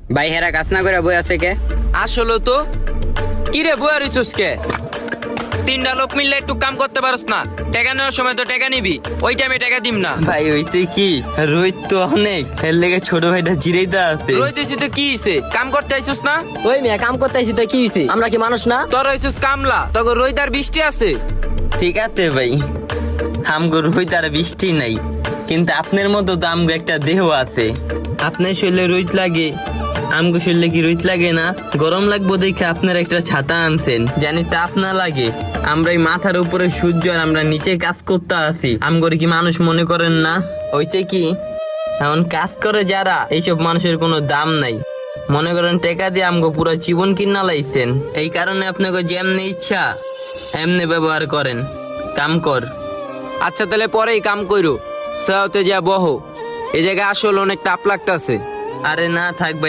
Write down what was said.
ভাই হেরা কাজ না করে বই আছে কে? আসলে তো কি রে বই আরিস কে? তিনটা লোক মিললে একটু কাম করতে পারস না? টাকা নেওয়ার সময় তো টাকা নিবি, ওই টাইমে টাকা দিম না। ভাই ওইতে কি রোহিত তো অনেক, এর লেগে ছোট ভাইটা জিরেইতে আছে। রই দিছি তো কি হইছে? কাম করতে আইছিস না? ওই মিয়া কাম করতে আইছি তো কি হইছে? আমরা কি মানুষ না? তোর হইছিস কামলা, তোকে রইদার বৃষ্টি আছে। ঠিক আছে ভাই, আমগো রোহিত আর বৃষ্টি নাই, কিন্তু আপনার মতো তো আমগো একটা দেহ আছে। আপনার শরীরে রোহিত লাগে, আমগো শরীরে কি রোহিত লাগে না? গরম লাগবো দেখে আপনার একটা ছাতা আনছেন, জানি তাপ না লাগে। আমরা এই মাথার উপরে সূর্য আর আমরা নিচে কাজ করতে আছি, আমগরে কি মানুষ মনে করেন না? হইছে কি এখন কাজ করে যারা, এইসব মানুষের কোনো দাম নাই। মনে করেন টাকা দিয়ে আমগো পুরো জীবন কিনা লাইছেন, এই কারণে আপনাকে যেমনি ইচ্ছা এমনি ব্যবহার করেন। কাম কর। আচ্ছা তাহলে পরেই কাম কইরো, সাউতে যা বহ, এই জায়গায় আসলে অনেক তাপ লাগতাছে। আরে না থাক ভাই,